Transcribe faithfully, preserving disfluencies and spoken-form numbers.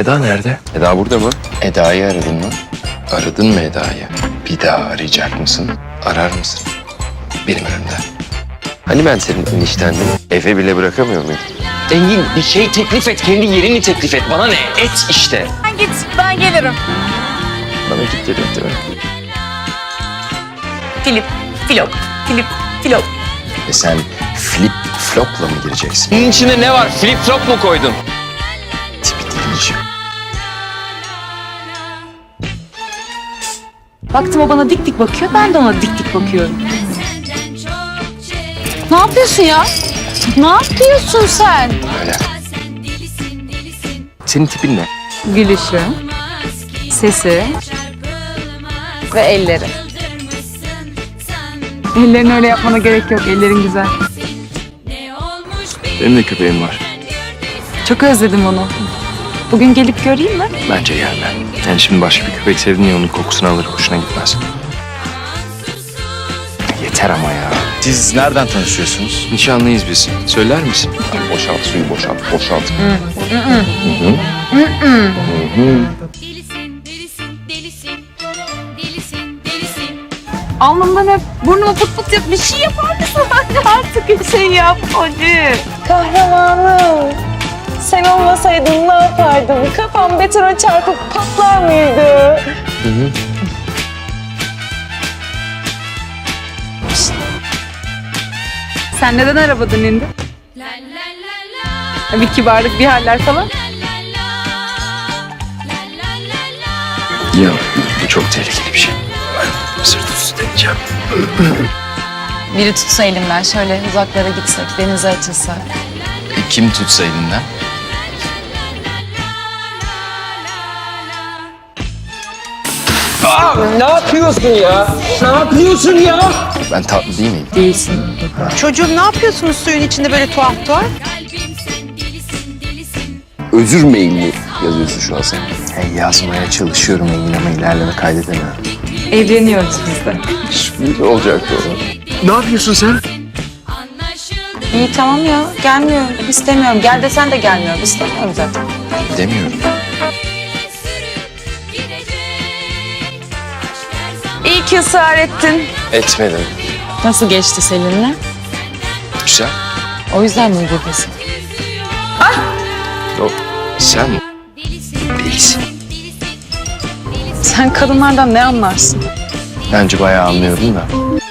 Eda nerede? Eda burada mı? Eda'yı aradın mı? Aradın mı Eda'yı? Bir daha arayacak mısın? Arar mısın? Benim önümde. Hani ben senin eniştendim? Eve bile bırakamıyor muyum? Engin bir şey teklif et. Kendi yerini teklif et. Bana ne? Et işte. Sen git, ben gelirim. Bana git dedim değil mi? Filip, Filop, Filip, Filop. E sen flip flopla mı gireceksin? Bunun içinde ne var? Flip flop mu koydun? Tipi değilmiş. Baktım o bana dik dik bakıyor, ben de ona dik dik bakıyorum. Ne yapıyorsun ya? Ne yapıyorsun sen? Öyle. Senin tipin ne? Gülüşü, sesi ve elleri. Ellerini öyle yapmana gerek yok, ellerin güzel. Benim de köpeğim var. Çok özledim onu. Bugün gelip göreyim mi? Bence gelme. Yani şimdi başka bir köpek sevdin ya onun kokusunu alır, hoşuna gitmez. Yeter ama ya. Siz nereden tanışıyorsunuz? Nişanlıyız biz. Söyler misin? Boşalt suyu boşalt, boşalt. Delisin, delisin, delisin, delisin, delisin. Alnımdan hep burnuma fıt fıt yap. Bir şey yapar mısın? Hadi artık bir şey yap hacı. Kahramanım. Sen olmasaydın ne yapardım? Kafam betona çarpıp patlar mıydı? Şşt. Sen neden arabadan indin? La la la la, Bir kibarlık, bir haller falan. la la la, la la la la. Ya bu çok tehlikeli bir şey. Ben sırt üstü deneyeceğim. Biri tutsa elimden şöyle uzaklara gitsek, denize açılsak. E, kim tutsa elinden? Ne yapıyorsun ya? Ne yapıyorsun ya? Ben tatlı değil miyim? Değilsin. Çocuğum ne yapıyorsunuz suyun içinde böyle tuhaf tuhaf? Kalbim sen delisin, delisin. Özür mailini yazıyorsun şu an sen. Hey, yazmaya çalışıyorum Engin ama ilerleme kaydedemiyorum. Evleniyoruz biz de. Ne olacaktı o? Ne yapıyorsun sen? Anlaşıldı. İyi tamam ya, gelmiyorum, istemiyorum. Gel desen de gelmiyorum, istemiyorum zaten. Demiyorum. Sürüp gidecek. Aşk her zaman İyi ki ısrar ettin. Etmedim. Nasıl geçti seninle? Güzel. O yüzden mi buradasın? O, sen delisin, değilsin. delisin. Sen kadınlardan ne anlarsın? Bence bayağı anlıyorum da.